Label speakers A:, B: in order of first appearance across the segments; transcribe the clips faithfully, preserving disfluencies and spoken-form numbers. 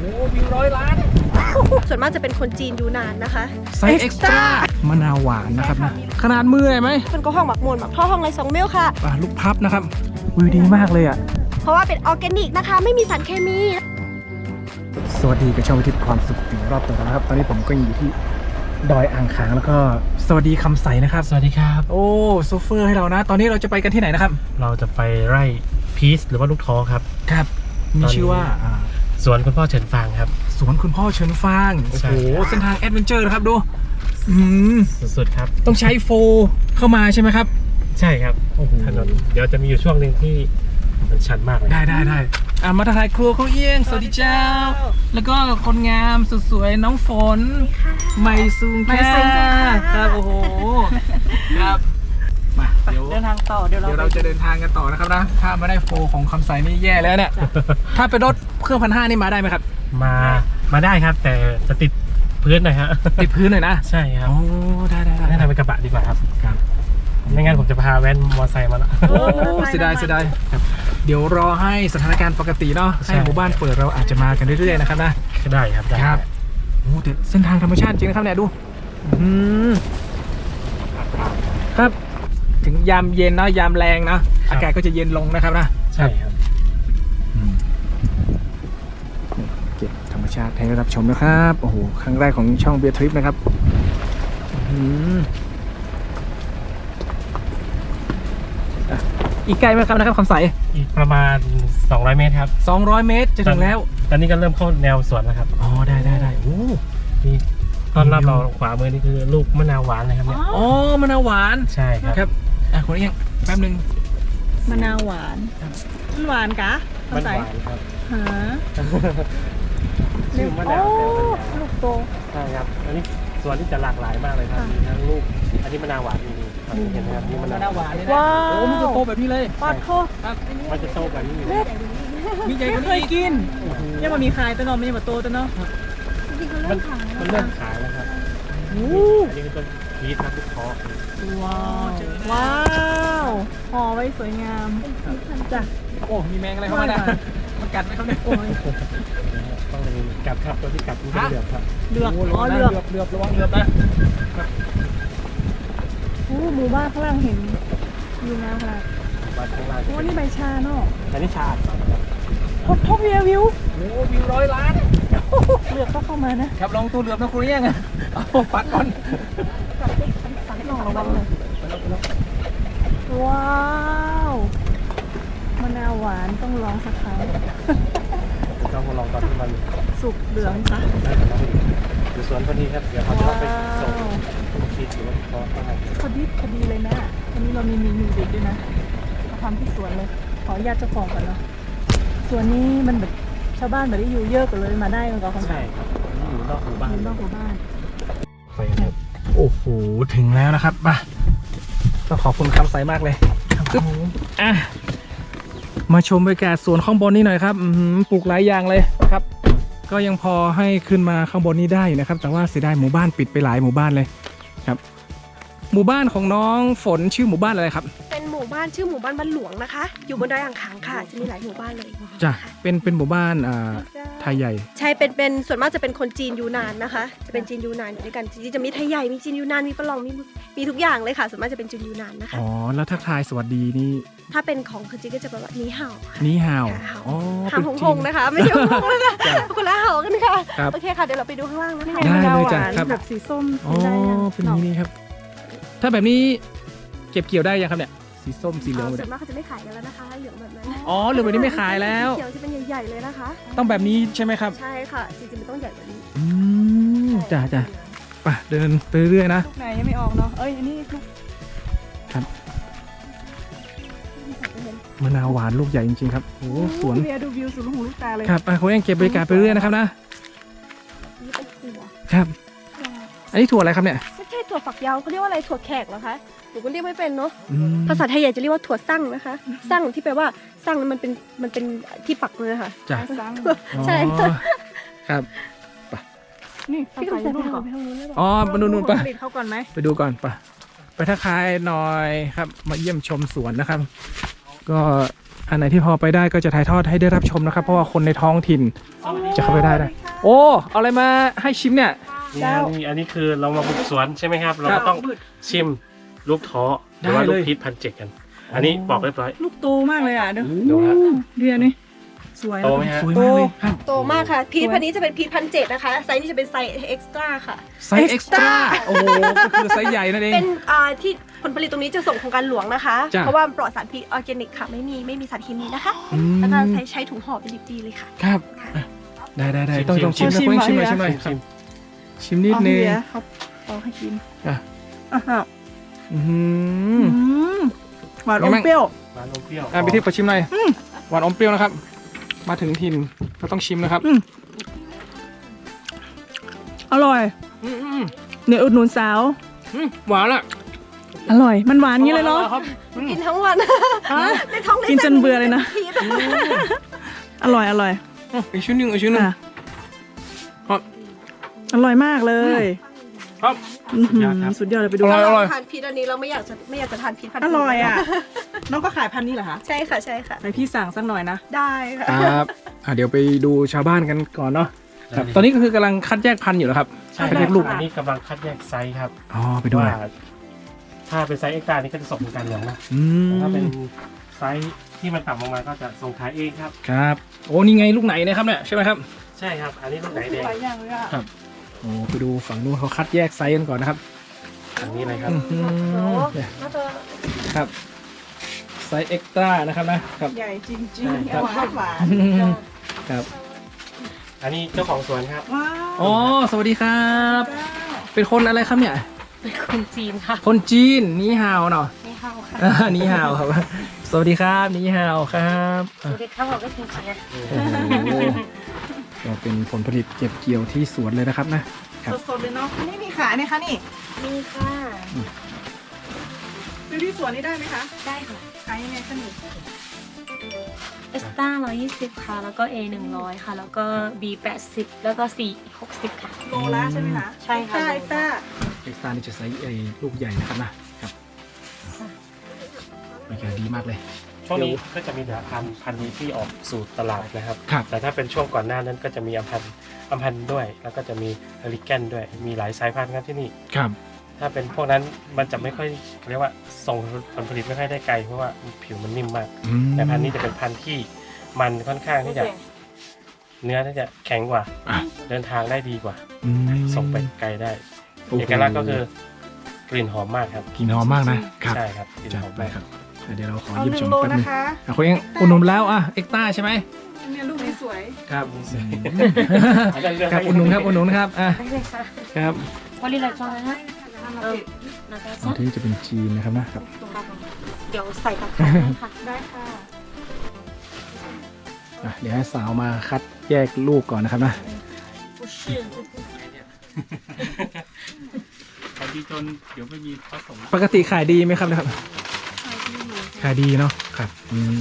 A: อ้วิวร้อยล้าน
B: ส่วนมากจะเป็นคนจีนอยู่นานนะคะ
A: ไซส์เอ็กซ์ตร้ามะนาวหวานนะครับนะขนาดมือเลยไหม
B: มันก็ห้องหมักมวลหมักท่อห้องไรสองเมลค่ะ
A: ลูกพับนะครับวิวดีมากเลยอ่ะ
B: เพราะว่าเป็นออร์แกนิกนะคะไม่มีสารเคมี
A: สวัสดีกับช่องวิถีความสุขถึงรอบตัวนะครับตอนนี้ผมก็อยู่ที่ดอยอ่างขางแล้วก็สวัสดีคำใสนะครับ
C: สวัสดีครับ
A: โอ้โซเฟอร์ให้เรานะตอนนี้เราจะไปกันที่ไหนนะครับ
C: เราจะไปไร่พีชหรือว่าลูกท้อครับ
A: ครับมีชื่อว่า
C: สวนคุณพ่อเฉินฟางครับ
A: สวนคุณพ่อเฉินฟางโอ้โหเส้นทางแอดเวนเจอร์นะครับดู
C: สุดๆครับ
A: ต้องใช้โฟเข้ามาใช่ไหมครับ
C: ใช่ครับถนนเดี๋ยวจะมีอยู่ช่วงหนึ่งที่มันชันมากเลย
A: ได้ได้ได้อ่ะมาถ่ายครัวเขาเอี้ยงสวัสดีเจ้าแล้วก็คนงามสุดสวยน้องฝนไมซุงค่ะครับโอ้โหครับมาเดี๋ยว
B: เดินทางต่อเดี๋ยวเรา
A: เดี๋ยวเราจะเดินทางกันต่อนะครับนะถ้าไม่ได้โฟของคำใสนี่แย่แล้วเนี่ยถ้าเป็นรถเครื่องพันห้านี่มาได้ไหมครับ
C: มามาได้ครับแต่จะติดพื้นหน่อยฮะ
A: ติดพื้นหน่อยนะ
C: ใช่ครับ
A: โอ้ได้ได้ได้
C: ให้ทำเป็นกระบะดีกว่าครับครับไม่งั้นผมจะพาแว้นมอเตอร์ไซค์มาละ
A: โอ้เสียดายเสียดายครับเดี๋ยวรอให้สถานการณ์ปกติเนาะให้หมู่บ้านเปิดเราอาจจะมากันเรื่อยๆนะครับนะ
C: ได้ครับได้
A: ครับโอ้แต่เส้นทางธรรมชาติจริงนะครับเนี่ยดูอืมครับถึงยามเย็นเนาะยามแรงเนาะอากาศก็จะเย็นลงนะครับนะ
C: ใช่ครับ
A: เก็บธรรมชาติให้รับชมนะครับโอ้โหครั้งแรกของช่องเบียร์ทริปนะครับอีกไกลไหมครับนะครับคำใส
C: อีกประมาณสองร้อยเมตรครับ
A: สองร้อยเมตรจะถึงแล้ว
C: ตอนนี้ก็เริ่มเข้าแนวสวนแล้วครับ
A: อ๋อได้ได้ได้โอ้
C: นี่ตอนรับเราขวามือนี่คือลูกมะนาวหวานเลยครับเนี่ย
A: อ๋อมะนาวหวาน
C: ใช่ครับ
A: ครับอ่ะคนนี้ยังแป๊บนึง
B: มะนาวหวานมันหวานกะ
C: มันหวานครับ
B: ฮะ
C: ชื่อมะนาวแต่
B: ลูกโต
C: ใช่ครับอันนี้สวนที่จะหลากหลายมากเลยครับมีทั้งลูกอันนี้มะนาวหวานนี่เห็นไหมครับนี่มะนาวหวาน
A: เลยนะโอ้มันจะโตแบบนี้เลย
B: ปอดโค
C: ครับมันจะโตแบบนี้
A: เลยมีใหญ่กว่านี้
B: เคยกินยังมามีขายแต่เนาะไม่ยังมาโตแต่เนาะ
C: มันมันเริ่มขายแล้วครับอันนี้คือต้นพีชครับลูกท้อ
B: ว้าวว้าวห่อไว้สวยงามจ้ะ
A: โอ้มีแมงอะไรเข้ามาเนี่ยมันกัดไหมครับเนี่ย
C: ต้องเลยกัดครับตัวที่กัดมันเป็นเหลือบครับ
B: เหลือบอ๋อเหลือบ
A: เหลือบระวังเหลือบนะ
B: โอ้หมู่บ้านข้างล่างเห็นอยู่งามขนาด
C: บ้านข้างล่าง
B: โอ้นี่ใบชาเนาะ
C: อันนี้ชา
B: พบพบวิววิว
A: โอ้วิวร้อยล้าน
B: เหลือบก็เข้ามานะครับ
A: ลองตัวเหลือบนะครูเอี้ยงเอาปัดก่อน
B: ลองระวังเลยว้าวมะนาวหวานต้องลองสักครั้ง
C: ต้องลองตอนที่มัน
B: สุกเหลืองซะ
C: อยู่สวนพอดีครับเดี๋ยวเขาจะต้องไปส่งลูกพีชหรือว่าท้อได้
B: พอดีพอดีเลยนะวันนี้เรามีเมนูเด็ดด้วยนะมาทำที่สวนเลยขออนุญาตเจ้าของก่อนเนาะสวนนี้มันแบบชาวบ้านแบบได้อยู่เยอะกันเลยมาได้มันก็
C: ใช่ครับอยู่นอกหมู่บ้าน
B: นอกหมู่บ้าน
A: ไปครับโอ้โหถึงแล้วนะครับมาต้องขอบคุณคำใสมากเลยอ่ะมาชมบรรยากาศสวนข้างบนนี้หน่อยครับปลูกหลายอย่างเลยครับก็ยังพอให้ขึ้นมาข้างบนนี้ได้นะครับแต่ว่าเสียดายหมู่บ้านปิดไปหลายหมู่บ้านเลยครับหมู่บ้านของน้องฝนชื่อหมู่บ้านอะไรครับ
B: เป็นหมู่บ้านชื่อหมู่บ้านบ้านหลวงนะคะอยู่บนดอยอ่างขางค่ะจะมีหลายหมู่บ้านเลย
A: จ้ะเป็นเป็นหมู่บ้านอ่าไทยใหญ่
B: ใช่เป็นเป็นส่วนมากจะเป็นคนจีนยูนานนะคะจะเป็นจีนยูนานอยู่ด้วยกันจริงๆจะมีไทยใหญ่มีจีนยูนานมีฝรั่งมีมีทุกอย่างเลยค่ะส่วนมากจะเป็นจีนยูนานนะคะ
A: อ๋อแล้วทักทายสวัสดีนี่
B: ถ้าเป็นของคนจีนก็จะแบบว่านี่เห่า
A: นี่เห่า
B: อ๋อหางหงหงนะคะไม่ใช่หงหงนะคะคนละเห่ากันค่ะโอเคค่ะเดี๋ยวเราไปดูข้างล่างนะคะ
A: ได้เลยจ้ะครับ
B: แบบสีส้ม
A: อ๋อเป็นนี้ครับถ้าแบบนี้เก็บเกี่ยวได้ยังครับเนี่ยสีส้มสีเหลือง
B: ส่วนมากเขาจะไม่ขายกันแล้วนะคะเหลืองแบบนั้น
A: อ๋อเหลืองแบบนี้ไม่ขายแล้ว
B: เขียวจะเป็นใหญ่ๆเลยนะคะ
A: ต้องแบบนี้ใช่ไหมครับ
B: ใช่ค่ะจริงๆมันต้องใหญ่กว่านี้
A: อืมจ้าจ้าไปเดินไปเรื่อยๆนะ
B: ลูกไหนยังไม่ออกเนาะเอ้ยอันนี้
A: ครับมะนาวหวานลูกใหญ่จริงๆครับโอ้สวน
B: เบียร์ดูวิวสุดลูกหูลูกตาเลย
A: ครับไปเขาเองเก็บบรรยากาศไปเรื่อยนะครับนะ
B: นี่เป็นถั่ว
A: ครับอันนี้ถั่วอะไรครับเนี่ย
B: ไม่ใช่ถั่วฝักยาวเขาเรียกว่าอะไรถั่วแขกเหรอคะหนูก็เรียกไม่เป็นเนาะภาษาไทยใหญ่จะเรียกว่าถั่วซั่งนะคะซั่งที่แปลว่าซั่งมันเป็นมันเป็นที่ปักเลยค่ะ
A: จ้ะ
B: ใช่
A: ครับไป
B: นี่พี่ใส่นู่นก่อน
A: อ๋อมาดูนู่นไป
B: เข้าก่อนไหม
A: ไปดูก่อนไปไปทักทายหน่อยครับมาเยี่ยมชมสวนนะครับก็อันไหนที่พอไปได้ก็จะถ่ายทอดให้ได้รับชมนะครับ เพราะว่าคนในท้องถิ่นจะเข้าไปได้ได้โอ้เอาอะไรมาให้ชิมเนี่ย
C: นี่ฮะนี่อันนี้คือเรามาบุกสวนใช่ไหมครับ เราก็ต้องชิมลูกท้อหรือว่า
A: ได้เลย
C: ลูกพีชพันเจ็ดกัน อันนี้ปอกเรียบร้อย
B: ลูกโตมากเลยอ่ะเดี๋ยว
C: ดูฮะ
B: เดียวนี่สวย
C: โตไหมฮะ
A: สวยมากเลยครับ
D: โตมากค่ะ พีชพันนี้จะเป็นพีชพันเจ็ดนะคะ ไซส์นี้จะเป็นไซส์เอ็กซ์ตร้าค่ะ
A: ไซส์เอ็กซ์ตร้าโอ้โหก็คือไซส์ใหญ่นั่นเอง
D: เป็นอ่าที่ผลผลิตตรงนี้จะส่งโครงการหลวงนะคะ
A: จ้ะ
D: เพราะว่ามันปลอดสารพิษออร์แกนิกค่ะ ไม่มีไม่มีสารเคมีนะคะ
A: อืม
D: แล้วก็ใช้ใช้ถุงห่อเป็นดิบดีเลยค่ะ
A: ครับอ่ะได้ได้ได้
C: ชิม
A: ต้องต้อง
C: ชิ
A: ชิม
C: ม
A: นะคุณชิมหน่อย
B: ชิ
A: ชิม
B: ม
A: หน่อย
C: ชิม
A: ชิมนิด
B: เอา
A: นึง
B: เดี๋ยวเขาเอาให้กิน
A: อ่ะ
B: อ่ะฮะ
A: อื้อหือ
B: อืมหวานอ
A: ไง
B: ม
A: บ้าง
B: เปรี้ยว
C: ร้านนมเปรี้ยว
A: อ่ะพี่ทิพย์ขอชิมหน่อยหวานอมเปรี้ยวนะครับ มาถึงถิ่นก็ต้องชิมนะครับ
B: อืมอร่อย
A: อืมอืม
B: เนี่ยอุดหนุนสาว
A: อืมหวานอ่ะ
B: อร่อย มันหวานงี้เลยเนาะ
A: ครับอืม
D: กินทั้งวัน
B: ฮะ
D: ในท้องได้
B: กินจนเบื่อเลยนะ
D: พีช
B: อร่อย อร่อย
A: อ่ะอีกชิ้นหนึ่งอีกชิ้นหนึ่ง
B: อ่ะ
A: ครับ
B: อร่อยมากเลย
A: ครับ
B: อื้อหือสุดยอดเลยไปดู
A: อร่อย
D: ถ้าเราทานพีชอันนี้เราไม่อยากจะไม่อยากจะทานพีชพัน
B: อร่อยอ่ะ น้องก็ขายพันธุ์นี้เหรอคะ
D: ใช่ค่ะใช่ค่ะ
B: ไปพี่สั่งสักหน่อยนะ
D: ได้ค่ะ
A: ครับอ่ะเดี๋ยวไปดูชาวบ้านกันก่อนเนาะครับตอนนี้ก็คือกำลังคัดแยกพันธุ์อยู่แล้วครับ
C: ใช่
A: คัด
C: ค
A: แย
C: รับ
A: กลูก
C: อันนี้กำลังคัดแยกไซส์ครับ
A: อ๋อไปดูห
C: ว่า
A: น่อย
C: ถ้าเป็นไซส์เอ็กซ์ตร้านี่ก็จะส่งโครงการหลวงนะ
A: อืม
C: แต่ถ้าเป็นไซส์ที่มันต่ำลงมาก็จะส่งขายเองครับ
A: ครับโอ้นี่ไงลูกไหนนะครับเนี่ยใช่ไหมครับ
C: ใช่ครับ อันนี้ลูกไหนแดง
B: หลายอย่างเลยอ่ะ
A: โอ้ไปดูฝั่งนู้นเขาคัดแยกไซส์กันก่อนนะครับ
C: อันนี้เลยครับ
A: อื้อหือเนี่ย
D: น่าจะ
A: ครับไซส์เอ็กซ์ตร้านะครับนะครับ
B: ใหญ่จริง
C: ใช่
B: ๆ
C: ครับ
B: หวานหวาน
A: ครับ
C: อันนี้เจ้าของสวนครับ
B: ว้าว
A: อ๋อสวัสดีครับ เป็นคนอะไรครับเนี่ย
D: เป็นคนจีนค่ะ
A: คนจีนนี่ฮาวเนาะ
D: ไม่เข้าค่ะ
A: อ่านี่ฮาวครับ สวัสดีครับนี่ฮาวครับอ่ะ
D: เด็กเข้าบอกก็จริงๆนะ
A: โอ้โหก็เป็นผลผลิตเก็บเกี่ยวที่สวนเลยนะครับนะครับ
B: สดๆเลยเนาะนี่มีขายไหมคะนี่
D: มีค่ะ
B: ซื้อที่สวนนี่ได้ไหมคะ
D: ได้ค่ะ
B: ขายยังไงคะนี่
D: เอสต้าร้อยยี่สิบค่ะ แล้วก็ A หนึ่งร้อยค่ะ แล้วก็ B แปดสิบแล้วก็ C หกสิบค่ะ
B: โลละใช่ไหมคะ
D: ใช่ค่ะ
B: ไอ้ต้า
A: เอ็กซ์ตร้านี่จะไซส์ไอ้ลูกใหญ่นะครับนะครับบรรยากาศดีมากเลย
C: ช่วงนี้ก็จะมีแต่พันธุ์พันธุ์นี้ที่ออกสู่ตลาดนะครับ
A: ครับ
C: แต่ถ้าเป็นช่วงก่อนหน้านั้นก็จะมีอัมพันธ์อัมพันธ์ด้วย แล้วก็จะมีเฮลิแกนด้วย มีหลายสายพันธุ์ครับที่นี่
A: ครับ
C: ถ้าเป็นพวกนั้นมันจะไม่ค่อยเรียกว่าส่งผลผลิตไม่ค่อยได้ไกลเพราะว่าผิวมันนิ่มมาก
A: อืม
C: แต่พันธุ์นี้จะเป็นพันธุ์ที่มันค่อนข้างที่จะเนื้อที่จะแข็งกว่า
A: อ่ะ
C: เดินทางได้ดีกว่า
A: อืม
C: ส่งไปไกลได้
A: โอ้โห
C: เอกลักษณ์ก็คือกลิ่นหอมมากครับ
A: กลินหอมมากนะครับ
C: ใช่ครับกลิ่น
A: จัด
C: หอม
A: ไป
C: มาก
A: ครับเดี๋ยวเราขอ
B: เอา
A: เยี่ยม
B: ห
A: ช
B: นึ่
A: ม
B: งโล
A: แป๊บนึ
B: นะ
A: ง
B: คะ
A: อ่ะคุณเองอุดหนุนแล้วอ่ะเอ็กซ์ตร้าใช่ไหม
B: เนี่ยลูกสวย
A: ครับ
C: อันนั้นเรื่อง
A: ครับอุดหนุนครับอุดหนุนครับอ่ะ
D: ได้เลยค่ะ
A: ครับ
D: วันนี้อะไรจ้านะเออนะคะ
A: อันที่จะเป็นจีนนะครับนะครับ
D: เดี๋ยวใส่ตะไคร้ให้ค่ะ
B: ได้ค่ะ
A: อ่ะเดี๋ยวให้สาวมาคัดแยกลูกก่อนนะครับนะ
C: ขายดีจนเดี๋ยวไม่มีผสม
A: ปกติขายดีไหมครับนะครับขายดีเนาะครับอืม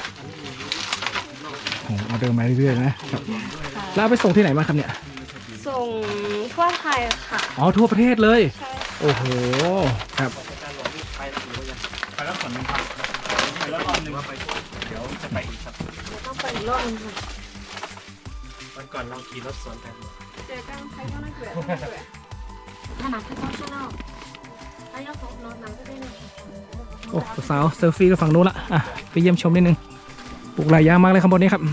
A: โอ้ออเดอร์มาเรื่อยๆนะครับแล้วเอาไปส่งที่ไหนมางครับเนี่ย
D: ส่งทั่วไทยค่ะ
A: อ๋อทั่วประเทศเลย
D: ใช่
A: โอ้โหครับ
C: ไปแล้วส่วนหนึ่งครับไปแล้วรอบหนึ่งไปเดี๋ยวจะไปอีกครับ
D: ต้องไปอีกรอบนึงค่ะ
C: วันก่อนเราขี่รถสวนกัน
B: เจอกันใครก็น่าเกลียด
D: ถ้าหนักที่ต้องช่วยเราถ้ายกของนอนหนังก็ได้เลย
A: โอ้สาวเซลฟี่ก็ฝั่งนู้นละอ่ะไปเยี่ยมชมนิดนึงปลูกหลายอย่างมากเลยข้างบนนี้ครับ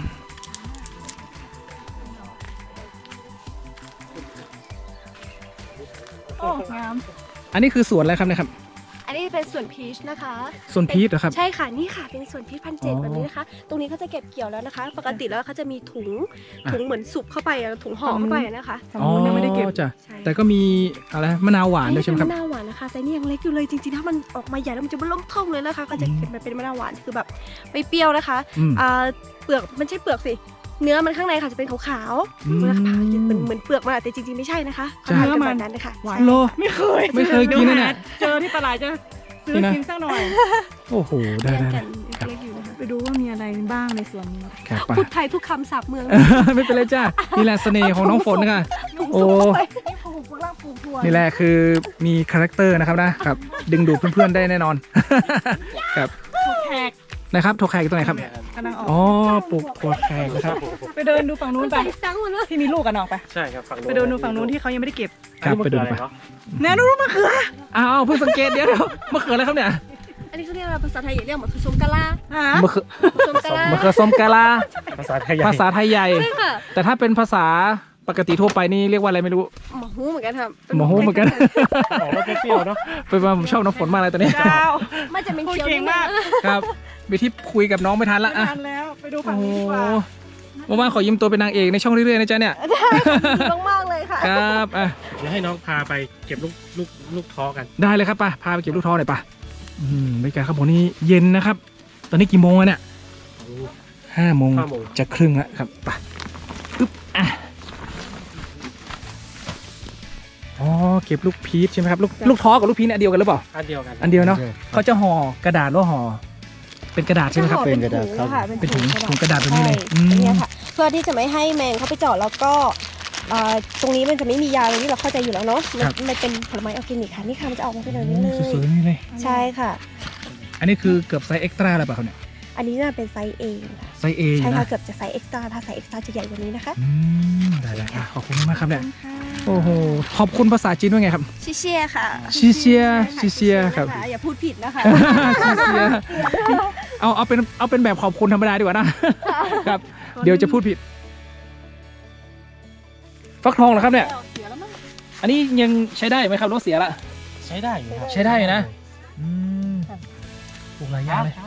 B: โอ้งาม
A: อันนี้คือสวนอะไรครับเนี่ยครับ
D: อันนี้เป็นส่วนพีชนะคะ
A: สวนพีชเหรอครับ
D: ใช่ค่ะ นี่ค่ะ เป็นส่วนพีชพันเจ็ด
A: อ๋อ
D: แบบนี้นะคะ ตรงนี้เขาจะเก็บเกี่ยวแล้วนะคะ ปกติแล้วเขาจะมีถุง
A: อ่ะ
D: ถุงเหมือนสุกเข้าไปอะถุงห่อเข้าไปอะนะคะ
B: ฝั่งนู้นยังไม่ได้เก็บ
A: อ๋อจ้ะ
D: ใช่
A: แต่ก็มีอะไรมะนาวหวานด้วยใช่ไหมครับ
D: มะนาวหวานนะคะ แต่นี่ยังเล็กอยู่เลย จริงๆ ถ้ามันออกมาใหญ่แล้วมันจะเริ่มเท่าเลยนะคะ ก็จะเก็บมาเป็นมะนาวหวาน คือแบบไม่เปรี้ยวนะคะ
A: อืม
D: อ่าเปลือกมันใช่เปลือกสิ เนื้อมันข้างในค่ะจะเป็นขาว
A: อืม
D: ๆเวลาผ่ากินเหมือนเหมือนเปลือกมันอะแต่จริงๆ ไม่ใช่นะคะ
A: จ้ะ
D: เขาทำกันแบบนั้นนะคะ
B: หวาน
D: ใช่
A: โล
B: ไม่เคย
A: ไม่เคยกินนะเนี่ย
B: เจอที่ตลาดจะซื้อ
A: นี่นะ
B: กินสักหน่อย
A: โอ้โหได้ได้
D: กั
A: ได้
D: นเล็กอยู่นะคะ
B: ไปดูว่ามีอะไรบ้างในสวนนี้
A: ครับไป
D: พูดไทยทุกคำศัพท์เมือง
A: ไม่เป็นไรจ้านี่แหละเสน่ห์ของน้องฝนนะคะโอ้
B: นี่ปลูกฝรั่งปลูกถั่ว
A: นี่แหละคือมีคาแรคเตอร์นะครับนะครับ ดึงดูดเพื่อนๆได้แน่นอน ครับ
B: แขก
A: นนะครับถั่วแขกอยู่ตรงไหนครับ
B: กำลังออก
A: อ๋อปลูกถั่วแขกนะครับ
B: ไปเดินดูฝั่งนู้นไปที่มีลูกกันออกไป
C: ใช่ครับฝั่ง
B: ไปเดินดูฝั่งนู้นที่เขายังไม่ได้เก็บ
A: ครับไปดูไป
B: แน่นู้นมะเขือ
A: อ้าวเพิ่งสังเกตเดี๋ยวเดี๋ยวมะเขืออะไรครับเนี่ย
E: อันนี้เขาเรียกอะไรภาษาไทยเรียกเหมือนคือชมกะลา
B: ฮะ
A: มะเขือ
E: ชมกะลาม
A: ะเขือส้มกะลา
C: ภาษาไทยใหญ่
A: ภาษาไทยใหญ่
E: ใช่ค่ะ
A: แต่ถ้าเป็นภาษาปกติทั่วไปนี่เรียกว่าอะไรไม่รู้
E: หมอหูเหมือนกันครับ
A: หมอฮูเหมือนกัน
C: ออกมาเปรี้ยวๆเนาะ
A: เป็นว่าผมชอบน้ำฝนมากเลยตอนนี้
B: เจ้า
E: มันจะเป็น
B: พูด
E: เคี้ยว
B: เก่งมาก
A: ครับวิธีคุยกับน้องไม่ทันละ
B: ไม่
A: อ่ะ
B: ทันแล้ว ไปดูฝั่
A: โอ้
B: ง
A: โห
B: นี้ดีกว่า
A: ว่างๆขอยืมตัวเป็นนางเอกในช่องเรื่อยๆนะจ๊ะเนี่ย
E: ต้องมากเลยค่ะ
A: ครับอ่ะ
C: เดี๋ยวให้น้องพาไปเก็บลูกลูกลูกท้อกัน
A: ได้เลยครับป่ะพาไปเก็บลูกท้อหน่อยป่ะอืมบรรยากาศครับผมนี่เย็นนะครับ ตอนนี้กี่โมงแล้วเนี่ยห้าโมง
C: ห้าโมง
A: จะครึ่งแล้วครับป่ะอึ๊บอ่ะอ๋อเก็บลูกพีชใช่ไหมครับลูกลูกท้อกับลูกพีชเนี่ยอันเดียวกันหรือเปล่า
C: อันเดียวกัน
A: อันเดียวเนาะเขาจะห่อกระดาษหรือห่อเป็นกระดาษใช่ไหมครับ
E: เป็นกระดาษค่ะ
A: เป็นถุงถุงกระดาษแบบนี้เลย
E: ใช่
A: อืม
E: อันเนี้ยค่ะ เพื่อที่จะไม่ให้แมงเข้าไปเจาะแล้วก็เอ่อตรงนี้มันจะไม่มียาตรงนี้เราเข้าใจอยู่แล้วเนาะมันมันเป็นผลไม้ออร์แกนิกค่ะนี่ค่ะมันจะออกมาเป็นแบบนี้เลย
A: สวยๆนี่เลย
E: ใช่ค่ะ
A: อันนี้คือเกือบไซส์เอ็กซ์ตร้าแล้วเปล่าครับเนี่ย
E: อันนี้น่าเป็นไซส์ A ค่ะ
A: ไซส์เอ
E: ใช่
A: นะ
E: ค่ะเกือบจะไซส์เอ็กซ์ตร้าถ้าไซส์เอ็กซ์ตร้าจะใหญ่กว่านี้นะคะ
A: อืมได้เลยอ่ะขอบคุณมากครับเนี่ยโอ้โหขอบคุณภาษาจีนว่าไงครับ
E: ชิเชียค่ะ
A: ชิเชียชิเชียครับ
E: ะอย่าพูดผิดนะคะ
A: ชิเชียเอาเอาเป็นเอาเป็นแบบขอบคุณธรรมดาดีกว่านะครับ เดี๋ยวจะพูดผิด ฟักทองเหรอครับเนี่ย
B: เสียแล้วมั้ง
A: อันนี้ยังใช้ได้ไหมครับน้องเสียละ
C: ใช้ได้อยู่ครับ
A: ใช้ได้อยู่นะอืมปลูกหลายอย่างเลย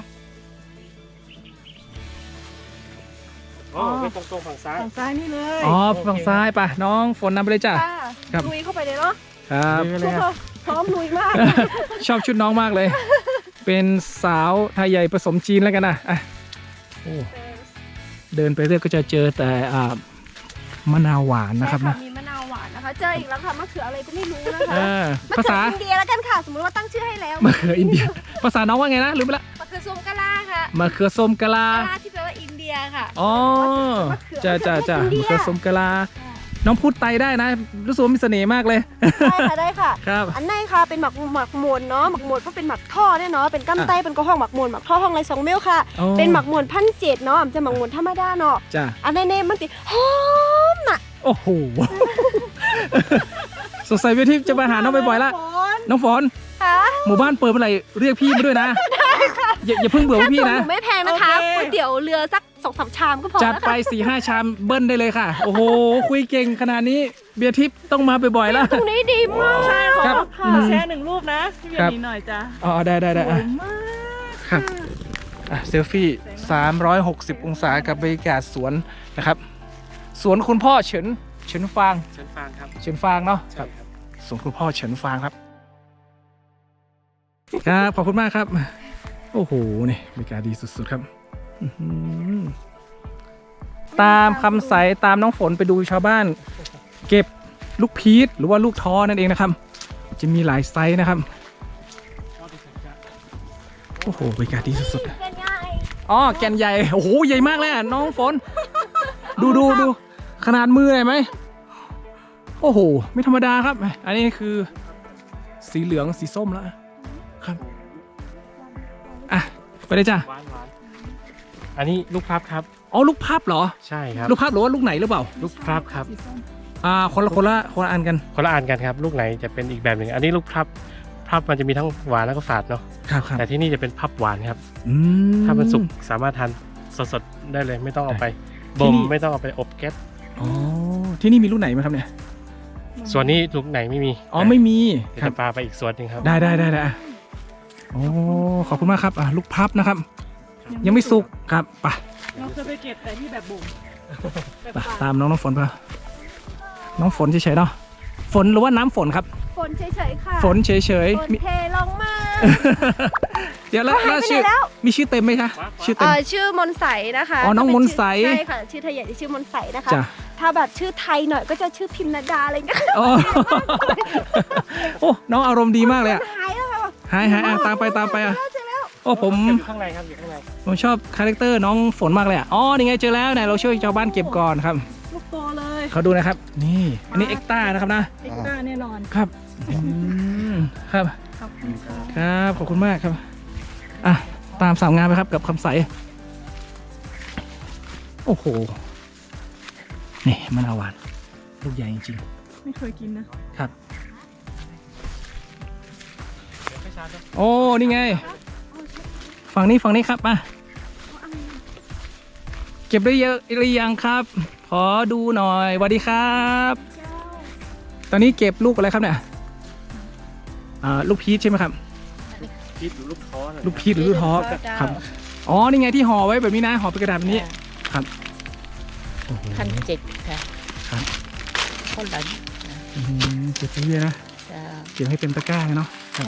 C: อ๋อไปตรงตรงฝั่งซ้าย
B: ฝั่งซ้ายนี่เลย
A: อ๋อฝั่งซ้ายป่ะน้องฝนนำไปเลยจ้ะ
E: ค่ะ
A: ครับ
E: ลุยเข้าไปเลยเนาะ
A: ครับ
C: นี่เลยครับ
E: พร้อมลุยมาก
A: ชอบชุดน้องมากเลย เป็นสาวไทยใหญ่ผสมจีนแล้วกันนะอ่ะโอ้เดินไปเรื่อยก็จะเจอแต่อ่ามะนาวหวานนะครับนะ
E: ใช่มีมะนาวหวานนะคะ เจออีกแล้วค่ะมะเขืออะไรก็ไม่รู้นะคะ
A: เออ
E: มะ
A: ภา
E: เขื
A: ษา
E: ออินเดียแล้วกันค่ะ สมมติว่าตั้งชื่อให้แล้ว
A: มะเขืออินเดีย ภาษาน้องว่าไงนะลืมไปละ
E: มะเขือส้มกะลาค่ะ
A: มะเขือส้มกะลา
E: กะลาที่แปลว่าอินเดียค่ะ
A: อ๋อ
E: มะเขือ
A: จ้าจ้าจ้าม
E: ะ
A: มะ
E: เขื
A: เขื
E: อ
A: อส้มกะลา น้องพูดไตได้นะ รู้สึกว่ามีเสน่ห์มากเลย
E: ได้ค่ะได้ค่ะ
A: ครับ
E: อันในค่ะเป็นหมักหมักหมวนเนาะหมักหมวนก็เป็นหมักท่อเนี่ยเนาะเป็นกั้มไตเป็นกระห้องหมักหมวนหมักท่อห้องไรสองเมลค่ะ
A: อ๋อ
E: เป็นหมักหมวนพันเจ็ดเนาะมันจะหมักหมวนธรรมดาเนาะ
A: จ้า
E: อันในเนมมันติหอมน่ะ
A: โอ้โห สงสัยเวทีจะมาหาน้องบ่อยๆละ น้องฝน
E: ค่ะ
A: หมู่บ้านเปิดเมื่อไหร่เรียกพี่มาด้วยนะอย่าอย่าเพิ่งเบื่อพวกพี่
E: ค่า
A: นะ
E: ตั๋วหไม่แพงนะคะก๋วยเตี๋ยวเรือสักสองสามชามก็พอ
A: จัด
E: แล้ว
A: ไป
E: ค่ะ
A: สี่ห้าชามเบิ้ลได้เลยค่ะ โอ้โห คุยเก่งขนาดนี้เบียร์ทิพย์ต้องมาบ่อยๆแล้ว
E: ตรงนี้ดีมาก
B: ใช่ขอ
A: ครับ
B: ขอแชร์หนึ่งรูปนะพี่เบีย
A: ครับ
B: ร์นี้หน่อยจ้ะ
A: อ๋อได้ได้ได้
B: สว
A: อ่ะ
B: ยมาก
A: ครับอ่ะเซลฟี่สามร้อยหกสิบองศากับบรรยากาศสวนนะครับ สวนคุณพ่อเฉินเฉินฟาง
C: เชิญฟังครับ
A: เฉินฟางเนาะ
C: ใช่ครับ
A: สวนคุณพ่อเฉินฟางครับครับขอบคุณมากครับ โอ้โหนี่บรรยากาศดีสุดๆครับอื้อหือตามคำใสตามน้องฝนไปดูชาวบ้าน เก็บลูกพีชหรือว่าลูกท้อนั่นเองนะครับ จะมีหลายไซส์นะครับโอ้โหบรรยากาศดีสุดๆ
E: เป็นไง
A: อ๋อแกนใหญ่โอ้โหใหญ่มากเลยอ่ะน้องฝน ดูดูดูขนาดมือเลยไหมโอ้โหไม่ธรรมดาครับ อันนี้คือสีเหลืองสีส้มแล้วครับอ่ะไปเลยจ้ะ
C: หวานหวานอันนี้ลูกพลับครับ
A: อ๋อลูกพับเหรอ
C: ใช่ครับ
A: ลูกพับหรือว่าลูกไหนหรือเปล่า
C: ลูกพลับครับ
A: อ่าคนละคนละคนละอันกัน
C: คนละอันกันครับ ลูกไหนจะเป็นอีกแบบหนึ่งอันนี้ลูกพลับพลับมันจะมีทั้งหวานแล้วก็ฝาดเนาะ
A: ครับครับ
C: แต่ที่นี่จะเป็นพับหวานครับ
A: อืม
C: ถ้ามันสุกสามารถทานสดๆได้เลยไม่ต้องเอาไป
A: ที่
C: บ่ม
A: นี่
C: ไม่ต้องเอาไปอบแก๊ส
A: อ๋อที่นี่มีลูกไหนไหมครับเนี่ย
C: ส่วนนี้ลูกไหนไม่มี
A: อ๋อไม่มี
C: เดี๋ยว
A: ครับ
C: จะพาไปอีกสวนหนึ่งครับ
A: ได้ได้ได้ได้อ่ะโอ้ขอบคุณมากครับอ่ะลูกพับนะครับ ยังไม่สุกครับไป
B: เราเคยไปเก็บแต่ที่แบบบ่มแบบ
A: ไป
B: ป่า
A: ตามน้องน้ำฝนไปน้องฝนเฉยๆเนาะฝนหรือว่าน้ำฝนครับ
E: ฝนเฉยๆค่ะ
A: ฝนเฉย
E: ฝ
A: ๆ
E: น
A: มี
E: เทลงมา
A: เดี๋ยวแล้ว
E: เขาหาย
A: แล้ว
E: ไป
A: ชื่อ
E: ไหนแล้ว
A: มีชื่อเต็มไหมคะชื่อเต็
E: เอ่
A: ม
E: อชื่อมนใสนะคะ
A: อ๋อน้องมนใส
E: ใช่ค่ะชื่อไทยใหญ่จะชื่อมนใสนะคะ
A: จ้ะ
E: ถ้าแบบชื่อไทยหน่อยก็จะชื่อพิมนาดาอะไรอย่างเงี้ย
A: อ๋อโอ้น้องอารมณ์ดีมากเลยอ่ะ
E: หายแล้วค่ะ
A: หายหายอ่ะตามไปตามไปอ่ะ
E: เจอแล้ว
A: โอ้ผม
C: อยู่ข้างในครับอยู่ข้างใน
A: ผมชอบคาแรคเตอร์น้องฝนมากเลยอ่ะอ๋อนี่ไงเจอแล้วไหนเราช่วยชาวบ้านเก็บก่อนครับ
B: ลูกโตเลย
A: เขาดูนะครับนี่อันนี้เอ็กต้านะครับนะ
B: เอ็กซ์ต้าแน่นอน
A: ครับอืมครับ
B: ขอบคุณค่ะ
A: ครับขอบคุณมากครับอ่ะตามสาวงามไปครับกับคำใสโอ้โหนี่มะนาวหวานลูกใหญ่จริง
B: ไม่เคยกินนะครับ
A: โอ้นี่ไงฝั่งนี้ฝั่งนี้ครับมาเก็บได้เยอะหรือยังครับขอดูหน่อยสวัสดีครับตอนนี้เก็บลูกอะไรครับเนี่ยอ่าลูกพีชใช่ไหมครับ
C: พีชหรือลูกท้อนะ
A: ลูกพีชหรือลูกท้อครับอ๋อนี่ไงที่ห่อไว้แบบนี้นะห่อเป็นกระดาษแบบนี้ครับ
F: พันเจ็ดค่ะ
A: ครับ
F: คนละ
A: อื้อหือเก็บไปเยอะนะ
F: จะ
A: เก็บให้เต็มตะกร้าเลยเนาะครับ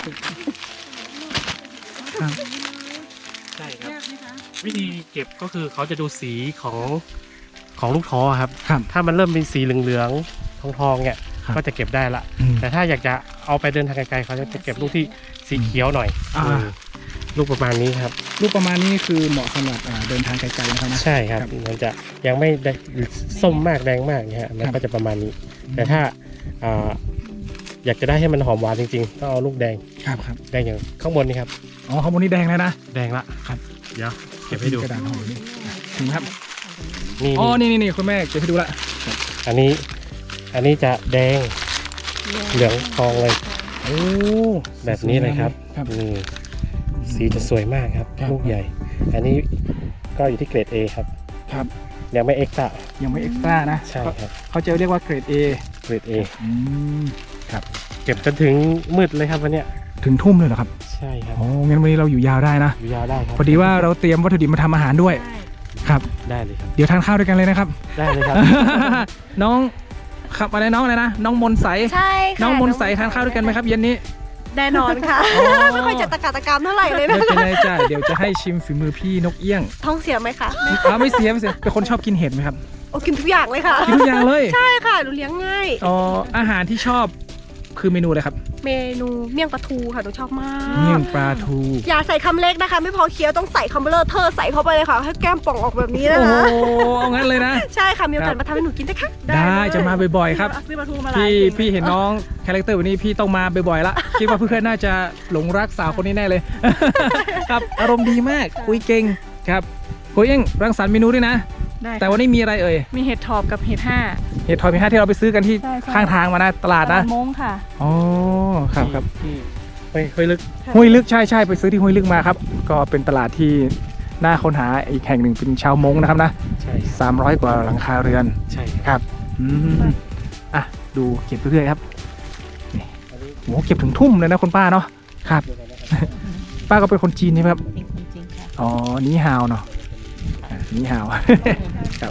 A: ครับ
C: ใช่ครับวิธีเก็บก็คือเขาจะดูสีของของลูกท้อครับ
A: ครับ
C: ถ้ามันเริ่มเป็นสีเหลืองๆทองๆเนี่ย
A: ครับ
C: ก็จะเก็บได้ละ
A: อืม
C: แต่ถ้าอยากจะเอาไปเดินทางไกลๆเขาจะเก็บลูกที่สีเขียวหน่อย
A: อ่า
C: อืมลูกประมาณนี้ครับ
A: ลูกประมาณนี้คือเหมาะสำหรับอ่าเดินทางไกลๆนะครับนะ
C: ใช่ครับ
A: ครับ
C: มันจะยังไม่ได้ส้มมากแดงมากเนี่ยฮะมัน
A: ครับ
C: ก็จะประมาณนี้ แต่ถ้าอ่าอยากจะได้ให้มันหอมหวานจริงๆต้องเอาลูกแดง
A: ครับครับ
C: แดงอย่างข้างบนนี่ครับ
A: อ๋อข้างบนนี้แดงแล้วนะ
C: แดงละ
A: ครับ
C: เดี๋ยวเก็บให้ดู
A: กระดาษห่อนี่ถึงครับ
C: นี่
A: อ๋อนี่นี่นี่คุณแม่เก็บให้ดูละ
C: อันนี้อันนี้จะแดงเหลืองทองเลย
A: โอ้
C: แบบนี้เลยครับ
A: ครับ
C: นี่สีจะสวยมากครับ
A: ครับ
C: ลูกใหญ่ อันนี้ก็อยู่ที่เกรด A ครับ
A: ครับ
C: ยังไม่เอ็กซ์ตร้า
A: ยังไม่เอ็กซ์ตร้านะ
C: ใช่ครับ
A: เขาจะเรียกว่าเกรด A
C: เกรด A
A: อืม
C: เก็บจนถึงมืดเลยครับวันเนี้ย
A: ถึงทุ่มเลยเหรอครับ
C: ใช่ครับ
A: อ๋องั้นวันนี้เราอยู่ยาวได้นะ
C: อยู่ยาวได้ครับ
A: พอดีว่าเราเตรียมวัตถุดิบมาทำอาหารด้วยครับ
C: ได้เลยครับ
A: เดี๋ยวทานข้าวด้วยกันเลยนะครับ
C: ได้เลยครับ
A: น้องครับอะไรน้องอะไรนะน้องมนใส
E: ใช่ค่ะ
A: น้องมนใสทานข้าวด้วยกันไหมครับเย็นนี้
E: แน่นอนค่ะ
A: อ๋อ
E: ไม่ค่อยจะตะกาตะกามเท่าไหร่เลย
A: ไม่
E: นะ
A: เป็นไรจ้ะเดี๋ยวจะให้ชิมฝีมือพี่นกเอี้ยง
E: ท้องเสียไหมคะ
A: อ้าวไม่เสียไม่เสียเป็นคนชอบกินเห็ดไหมครับ
E: โอ้กินทุกอย่างเลยค่ะ
A: กินทุกอย่างเลย
E: ใช่ค่ะหนูเลี้ยงง่าย
A: อ๋ออาหารที่ชอบคือเมนูอะไรครับ
E: เมนูเมี่ยงปลาทูค่ะหนูชอบมา
A: เมี่ย
E: ก
A: งปลาทู
E: อย่าใส่คำเล็กนะคะ ไม่พอเคี้ยวต้องใส่คำเบลอเทอร์ใส่เข้าไปเลยค่ะ ให้แก้มป่องออกแบบนี้นะ
A: โอ้
E: คะ
A: โหเอางั้นเลยนะ
E: ใช่ค่ะมีโอกาส
A: ครับ
E: มาทำให้หนูกินได้ค่ะ
A: ได้จะมาบ่อยๆครับ
B: ซื้อปลาทูมาหลาย
A: พี่
B: เก่ง
A: พี่เห็นน้องคาแรคเตอร์แบบนี้พี่ต้องมาบ่อยๆละ คิดว่าเพื่อนๆน่าจะหลงรักสาวคนนี้แน่เลย ครับอารมณ์ดีมากคุยเก่งครับคุยเองรังสรรค์เมนูด้วยนะ
B: ได้ค่ะ
A: แต่วันนี้มีอะไรเอ่ย
B: มีเห็ดถอบกับเห็ดห้า
A: เห็ดทอยมีห้าที่เราไปซื้อกันที่
B: ใช่ใช่
A: ข้างทางมานะตลาดนะ
B: มงค่ะ
A: อ๋อครับครับ
C: ที่ห้วยห้วยลึก
A: ห้วยลึกใช่ใช่ไปซื้อที่ห้วยลึกมาครับ ก็เป็นตลาดที่น่าค้นหาอีกแห่งหนึ่งเป็นชาวมงนะครับนะ
C: ใช่
A: สามร้อยกว่าหลังคาเรือน
C: ใช่ค
A: ครับ รับอืมอ่ะดูเก็บเรื่อยๆครับนี่โหเก็บถึงทุ่มเลยนะคุณป้าเนาะครับ ป้าก็เป็นคนจีนใช่ไหมครับ
F: เป็นคนจริงค่ะ
A: อ๋อนี่ฮาวเนาะอ่ะนี่ฮาว ครับ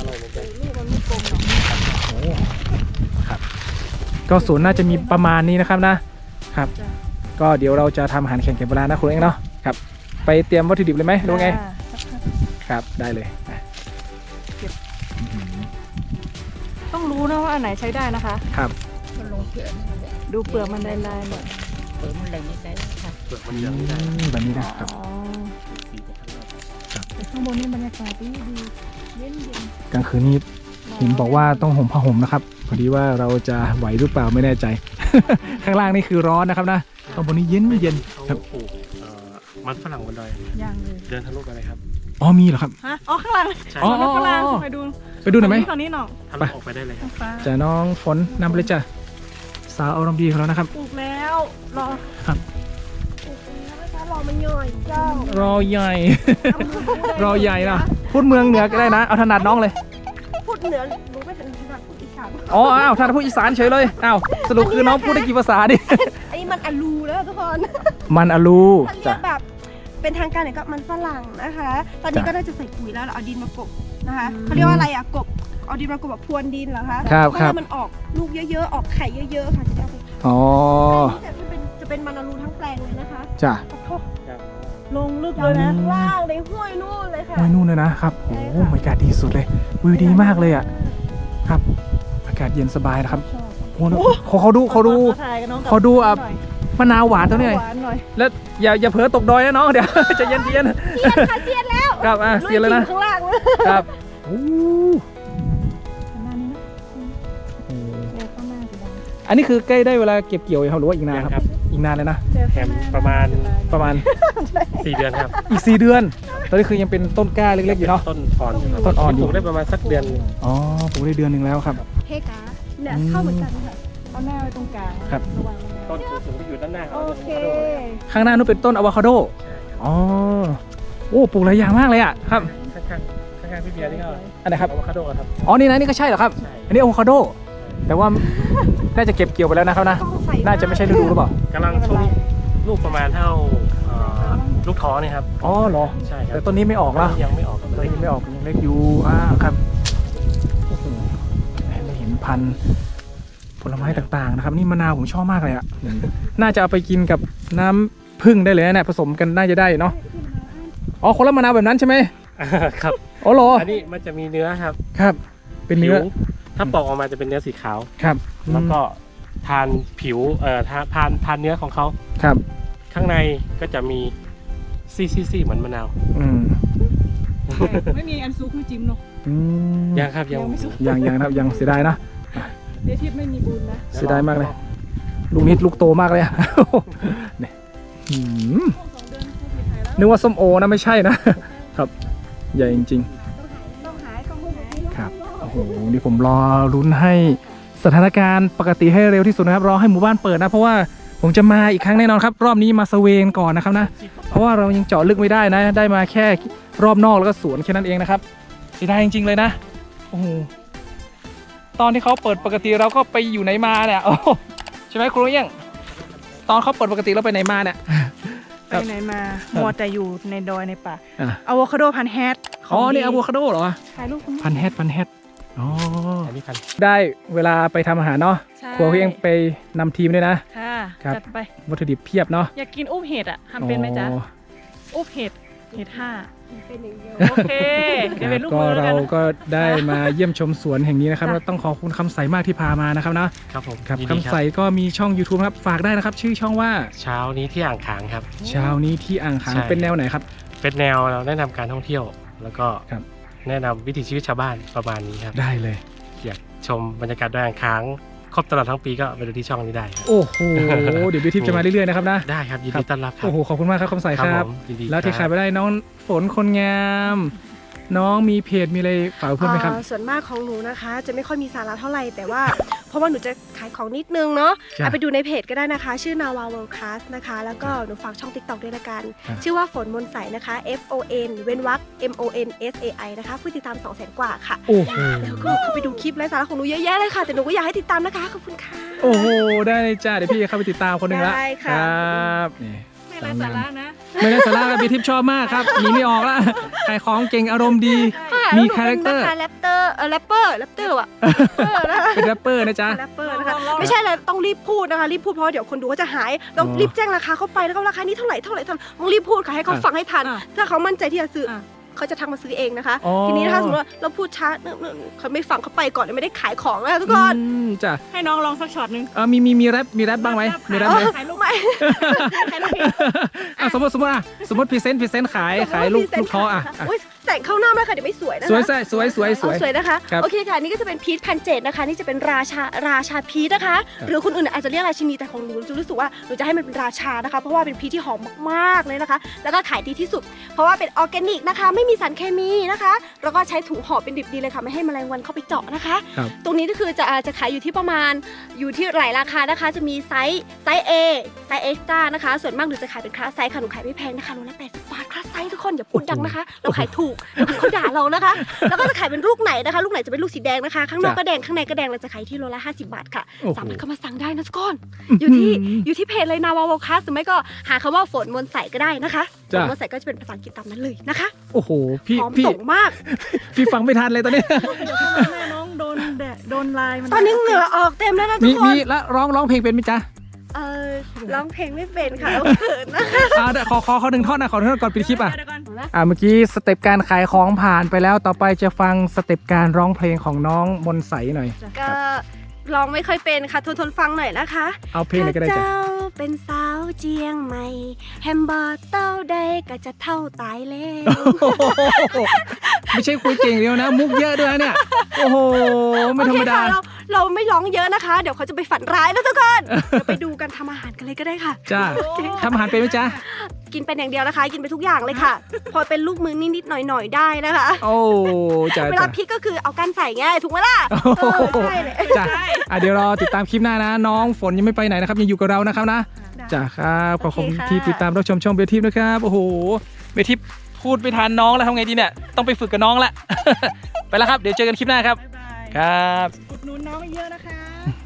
A: โอ้ครับ ก็สวนน่าจะมีประมาณนี้นะครับนะครับ ก็เดี๋ยวเราจะทำอาหารแข่งเก็บเวลานะคุณเองเนาะครับ ไปเตรียมวัตถุดิบเลยไหมหรือว่าไง
B: จ้าสักพัก
A: ครับได้เลยอ่ะ
B: ต้องรู้นะว่าอันไหนใช้ได้นะคะ
A: ครับ
F: คนลงเกลือ
B: ดูเปลือกมันลายๆหน่อย
F: เปิดมันอะไรไม่ได้ค่ะ
C: เปลือกมัน
A: อื
C: เหลืองไม่ได้
A: มแบบนี้นะครับ
B: อ๋อ
C: สีจะข้างนอก
B: แต่ข้างบนนี่บรรยากาศดีดีเย็นเย็น
A: กลางคืนนี้เห็นบอกว่าต้องห่มผ้าห่มนะครับพอดีว่าเราจะไหวหรือเปล่าไม่แน่ใจ ข้างล่างนี่คือร้อนนะครับนะข้างบนนี้เย็นเย็นค
C: เขา
A: รับ
C: ปลูกเอ่อมันฝรั่งบนดอย
B: ย่างเลย
C: เดินทะลุไปเลยครับ
A: อ๋อมีเหรอครับ
B: ฮะอ๋อข้างหลัง
C: ใช่
A: อ๋อ
B: ข้างหลังไปดู
A: ไปดูหน่อยไหม
B: ฝั่งนี้หน่อย
C: ทะลุออกไปได้เลยครับ
B: ฟ้า
A: จะน้องฝนนำไปเลยจ้ะสาวอารมณ์ดีของเรานะครับ
B: ปลูกแล้วรอ
A: ครับ
E: ปลูกแล้วนะคะรอมันย่อยเจ้าร
A: อใหญ่ รอใหญ่นะพูดเมืองเหนือก็ได้นะเอาถนัดน้องเลย
E: พูดเหนือรู้ไม่ถึงขนาดพูดอีสาน
A: อ๋ออ้าวท่านพูดอีสานเฉยเลยอ้าวสรุปคือน้องพูดได้กี่ภาษาดิ
E: อันนี้มันอลูแล้วทุกคน
A: มันอลู
E: ถ้าเรี
A: จ้ะ
E: ยกแบบเป็นทางการเนี่ยก็มันฝรั่งนะคะ ตอนนี้
A: จ้ะ
E: ก็น่าจะใส่ปุ๋ยแล้วเราเอาดินมากบนะคะเขาเรียกว่าอะไรอะกบเอาดินมากบแบบพรวนดินเหรอคะ
A: ครับ
E: เพื่อ
A: ครับ
E: ให้มันออกลูกเยอะๆออกไข่เยอะๆค่ะจะได้เอาไป
A: อ๋อ
E: จะเป็นจะเป็นมันอลูทั้งแปลงเลยนะคะ
A: จ้ะ
E: ขอโทษ
B: ลงลึกเลยนะ
E: ล่างในห้วยนู่นเลยค่ะ
A: โอ้ยนู่นเลยนะครับโอ้โหบรรยากาศดีสุดเลยวิวดีมากเลยอ่ะครับอากาศเย็นสบายนะครับโอ้โหขอเขาดูเขาดู
B: ถ่ายกับน้องกับ
A: ขอดูอ่ะ
B: หน่อย
A: มะนาวหวานตัวนี้หน่อย
B: หวานหน่อย
A: แล้วอย่าอย่าเผลอตกดอยนะน้องเดี๋ยว จะเย็นเย็น
E: ค่ะเสียนแล้ว
A: ครับอ่ะเสียเลยนะ
E: ข้างล่างเลย
A: ครับโอ้
B: ประมาณนี้นะ
A: โห
B: เดี๋ยวข้างหน้าสีดำ
A: อันนี้คือใกล้ได้เวลาเก็บเกี่ยวยังครับหรือว่าอีกนานครับ
C: ครับ
A: อีกนานเลยนะ
C: แถมประมาณ
A: ประมาณ
C: สี่เดือนครับ
A: อีกสี่เดือน ตอนนี้คือยังเป็นต้นกล้าเล็กๆอยู่เนาะ
C: ต้นอ่อนครับ
A: ต้นอ่อนอยู่
C: ปลูกได้ประมาณสักเดือน
A: อ๋อปลูกได้เดือนหนึ่งแล้วครับ
E: เฮ้กาเนี่ยเข้าเหมือนกันค่ะ
B: เอาหน้าไว้ตรงกลาง
A: ครับ
B: ระวังนะ
C: ต้นสูงๆที่อยู่ด้านหน้าเขา
B: โอเค
A: ข้างหน้านู้นเป็นต้นอะโวคาโด อ๋อ โอ้ปลูกหลายอย่างมากเลยอ่ะครับ
C: ข้างๆข้างๆพี่เบียร์นี่ก็
A: อันไหนครับ
C: อะโวคาโดครับ
A: อ๋อ นี่นะนี่ก็ใช่เหรอครับ
C: ใช่
A: อันนี้อะโวคาโด แต่ว่าน่าจะเก็บเกี่ยวไปแล้วนะครับนะ น่าจะไม่ใช่ฤดูหรือเปล่า
C: กำลังช่วงลูกประมาณเท่าเอ่อลูกท้อเนี่ยครับ
A: อ๋อเหรอ
C: ใช่ครั
A: แต่
C: บ
A: ต้นนี้ไม่ออกแล้ว
C: ยังไม่ออกครับ
A: ต้นนี้ไม่ออกยังเล็กอยู่ อ่าครับโอ้โหได้เห็นพันธุ์ผลไม้ต่างๆนะครับ นี่มะนาวผมชอบมากเลยอ่ะ น่าจะเอาไปกินกับน้ำผึ้งได้เลยนะเนี่ยผสมกันน่าจะได้เนาะ อ๋อคนละมะนาวแบบนั้นใช่ไหม
C: ครับ
A: อ๋อเหรอ
C: อันนี้มันจะมีเนื้อครับ
A: ครับ เป็นเนื้อ
C: ผิวถ้าปอกออกมาจะเป็นเนื้อสีขาว
A: ครับ
C: แล้วก็ทานผิวเอ่อทานทานทานเนื้อของเขา
A: ครับ
C: ข้างในก็จะมีซีซีซีเหมือนมะนาว
A: อืม
B: ไม่มีอันซุกไม่จิ้มเนาะ
A: อืม
C: ยังครับยัง
B: ยังไม่สุก
A: ยังยังนะครับยังเสียดายนะ
B: เดี๋ยวทิพย์ไม่มีบุญนะ
A: เสียดายมากเลย ลูกนิดลูกโตมากเลยอะ เนี่ยอืม
B: สองเดือนพูดผิดไทยแล้ว
A: นึกว่าส้มโอนะไม่ใช่นะ ครับ ใหญ่จริง
E: ต้องหายต้องหาย
A: ๆ ครับ โอ้โห นี่ผมรอลุ้นให้สถานการณ์ปกติให้เร็วที่สุดนะครับ รอให้หมู่บ้านเปิดนะ เพราะว่าผมจะมาอีกครั้งแน่นอนครับ รอบนี้มาสเวนก่อนนะครับนะ เพราะว่าเรายังเจาะลึกไม่ได้นะ ได้มาแค่รอบนอกแล้วก็สวนแค่นั้นเองนะครับเสียดายจริงๆเลยนะ โอ้โห ตอนที่เขาเปิดปกติเราก็ไปอยู่ไหนมาเนี่ย โอ้โหใช่ไหมครูเอี้ยงตอนเขาเปิดปกติเราไปไหนมาเนี่ย
B: ไปไหนมามัวแต่อยู่ในดอยในป่า
A: อ่ะ
B: อะโวคาโดพันแฮด
A: อ๋อ นี่อะโวคาโดเหรอ
B: ถ่ายรูปคุณ
A: พันแฮดพันแฮดอ๋อ
C: อันนี้พัน
A: ได้เวลาไปทำอาหารเนาะ
B: ใช่
A: ครัวพี่เองไปนำทีมด้วยนะ
B: ค่ะ
A: ครับ
B: จัดไป
A: วัตถุดิบเพียบเนาะ
B: อยากกินอุ้มเห็ดอ่ะทำเป็นไหมจ๊ะ
A: อ๋อ
B: อุ้มเห็ดเห็ดห้า
E: เป็นอย่างเดียว
B: โอเคเดี๋ยวเป็นลูก
A: ก็
B: มือแล้ว
A: เรา
B: กันนะ
A: ก็ได้มาเยี่ยมชมสวนแห่งนี้นะครับ
B: จ้ะ
A: แล้วต้องขอบคุณคำใสมากที่พามานะครับนะครับ
C: ผม
A: ครับ
C: ยินดี
A: คำใสก็มีช่อง YouTube นะครับฝากได้นะครับ ชื่อช่องว่า
C: เช้านี้ที่อ่างขางครับ
A: เช้านี้ที่อ่างขาง
C: ใช่
A: เป็นแนวไหนครับ
C: เป็นแนวเราแนะนำการท่องเที่ยว แล้วก็
A: ครับ
C: แนะนำวิถีชีวิตชาวบ้านประมาณนี้ครับ
A: ได้เลย
C: อยากชมบรรยากาศดอยอ่างขางครบตลอดทั้งปีก็ไปดูที่ช่องนี้ได้ครับ
A: โอ้โห เดี๋ยวบิวทิพย์จะมาเรื่อยๆนะครับนะ
C: ได้ครับยิน
A: ครั
C: ดี
A: บ
C: ต้อนรับครับ
A: โอ้โห ขอบคุณมากครับคำใสครับ
C: ผมยินดี
A: แล้วที่
C: ค
A: ขา
C: รั
A: ย
C: บ
A: ไปได้น้องฝนคนงาม น้องมีเพจมีอะไรฝากเพื่อนไหมครับ
E: อ่าส่วนมากของหนูนะคะ จะไม่ค่อยมีสาระเท่าไหร่แต่ว่า เพราะว่าหนูจะขายของนิดนึงเนาะ
A: จ้ะ
E: เอาไปดูในเพจก็ได้นะคะ ชื่อนาวา World Class นะคะ แล้วก็หนูฝากช่อง TikTok ด้วยละกัน
A: ครับ
E: ชื่อว่าฝนมนใสนะคะ F O N เว้นวรรค M O N S A I นะคะผู้ติดตาม สองแสน กว่าค่ะ
A: โอ้โห
E: แล้วก็เข้าไปดูคลิปไร้สาระของหนูเยอะแยะเลยค่ะ แต่หนูก็อยากให้ติดตามนะคะ ขอบคุณค่ะ
A: โอ้โห ได้เลยจ้า เดี๋ยวพี่จะเข้าไปติดตามคนหนึ่งละ
E: ได้ค่ะ
A: ครับนี่
B: ไม่ไร้สาระนะ
A: ไม่ได้สาระบิวทิพย์ชอบมากครับหนีไม่ออกละขายของเก่งอารมณ์ดี มีคาแรคเตอร์
E: แรปเตอร์เออแรปเปอร์แรปเตอร์อะเออนะคะ
A: เป็นแรปเปอร์นะจ๊ะ
E: แรปเปอร์นะคะ
B: ลองๆ
E: ไม่ใช่เลยต้องรีบพูดนะคะรีบพูดเพราะว่าเดี๋ยวคนดูก็จะหายต้อง
A: อ๋อ
E: รีบแจ้งราคาเข้าไปแล้วก็ราคานี้เท่าไหร่เท่าไหร่เท่าไหร่ต้องรีบพูดค่ะให้เขา
A: อ่ะ
E: ฟังให้ทัน
B: อ่ะ
E: ถ้าเขามั่นใจที่จะซื้ออ
B: อ่ะ
E: เขาจะทักมาซื้อเองนะคะ
A: อ๋อ
E: ทีนี้ถ้าสมมติว่าเราพูดช้าเนิ่มๆเขาไม่ฟังเขาไปก่อนไม่ได้ขายของนะคะทุกคน
A: อืมจ้ะ
B: ให้น้องลองสักช็อตหนึง
A: เออมีมีมีแรปมีแรปบ้างไหมมีแรปไหม
B: ถ่ายรูป
E: ไม่
B: ถ่ายรูป
A: อ่ะสมมติสมมติอ่ะสมมติพรีเซนต์พรีเซนต์ขายขายลูกลูกท้ออ่ะอ่ะ
E: อุ๊ยแต่งเข้าหน้าไม่ค่ะเดี๋ยวไม่สวยนะคะ
A: สวยสวยสวยสวยสวย
E: เอาสวยนะคะ
A: ครับ
E: โอเคค่ะนี่ก็จะเป็นพีชพันเจดนะคะนี่จะเป็นราชาราชาพีชนะคะ หรือคนอื่นอาจจะเรียกราชินีแต่ของหนูจะรู้สึกว่าหนูจะให้มันเป็นราชานะคะ เพราะว่าเป็นพีชที่หอมมากๆเลยนะคะ แล้วก็ขายดีที่สุด เพราะว่าเป็นออร์แกนิกนะคะ ไม่มีสารเคมีนะคะ แล้วก็ใช้ถุงห่อเป็นดิบดีเลยค่ะไม่ให้แมลงวันเข้าไปเจาะนะคะ
A: ครับ
E: ตรงนี้ก็คือจะจะขายอยู่ที่ประมาณอยู่ที่หลายราคานะคะ จะมีไซส์ไซส์ A ไซส์ Extra นะคะ ส่วนมากหนูจะขายเป็นคลาสไซส์ค่ะหนูขายไม่แพงนะคะโลละแปดสิบบาทคลาสไซส์ทุกคนอย่าพูดดังนะคะ เราขายถูกเดี๋ยวคนเขาด่าเรานะคะ แล้วก็จะขายเป็นลูกไหนนะคะ ลูกไหนจะเป็นลูกสีแดงนะคะ ข้างนอก
A: จ้ะ
E: ก็แดงข้างในก็แดงเราจะขายที่โลละห้าสิบบาทค่ะ
A: โอ้โห
E: สามารถเข้ามาสั่งได้นะทุกคนอยู่ที่อยู่ที่เพจเลยนาวาวคัสหรือไม่ก็หาคำว่าฝนมนใสก็ได้นะคะฝ
A: จ้ะ
E: นมนใสก็จะเป็นภาษาอังกฤษตามนั้นเลยนะคะ
A: โอ้โหพี่
E: พร้อม
A: พี่
E: ส่งมาก
A: พี่ฟังไม่ทันเลยตอนนี้
B: เดี๋ยวข้างหน้าแม่น้องโดนแดดโดนลายมัน
E: ตอนนี้เหงื่อออกเต็มแล้วนะทุ
A: มี
E: กค
A: มี
E: น
A: แล้วร้องร้องเพลงเป็นไหมจ๊ะ
E: เออร้องเพลงไม่เป็นค่ะเอาเขินนะคะ
A: อ่าเดี๋ยวขอขอขอหนึ่งท่อนนะขอหนึ่งท่อนก่อนปิดคลิปอ่ะ
B: เดี๋ยวก่อน
A: อ่าเมื่อกี้สเต็ปการขายของผ่านไปแล้วต่อไปจะฟังสเต็ปการร้องเพลงของน้องมนต์ใสหน่อย
E: ก็ร้องไม่ค่อยเป็นค่ะทนทนฟังหน่อยนะคะ
A: เอาเพลงไหนก็ได้จ้ะ
E: ถ้าเจ้าเป็นสาวเจียงใหม่แฮมเบอร์เต้าใดก็จะเท่าตายแล้ว
A: ไม่ใช่คุยเก่งเดียวนะ มุกเยอะด้วยนะเนี่ย โอ้โห ไม่ธรรมดา
E: โอเคค่ะเเราไม่ร้องเยอะนะคะ เดี๋ยวเขาจะไปฝันร้ายแล้วทุกคนเดี๋ยวไปดูกันทำอาหารกันเลยก็ได้ค่ะ
A: จ้าทำอาหารเป็นไหมจ๊ะ
E: กินเป็นอย่างเดียวนะคะ กินไปทุกอย่างเลยค่ะ พอเป็นลูกมือนิดๆหน่อยๆได้นะคะ
A: โอ้จ้า
E: เวลา
A: จ้า
E: พริกก็คือเอาก้านใส่ง่ายถูกไหมล่ะ
A: โอ้
E: เอ
A: โห
E: อใช่เลย
A: จ้าอ่ะเดี๋ยวรอติดตามคลิปหน้านะ น้องฝนยังไม่ไปไหนนะครับยังอยู่กับเรานะครับนะ จ้าครับขอบคุณ
E: โอเคค่ะ
A: ที่ติดตามรับชมช่องเบทิปนะครับโอ้โหเบทิปพูดไปทานน้องแล้วทำไงดีเนี่ยต้องไปฝึกกับน้องละ ไปแล้วครับเดี๋ยวเจอกันคลิปหน้าครับ
B: บ๊ายบาย
A: ครับ
B: อุดหนุนน้องเยอะนะคะ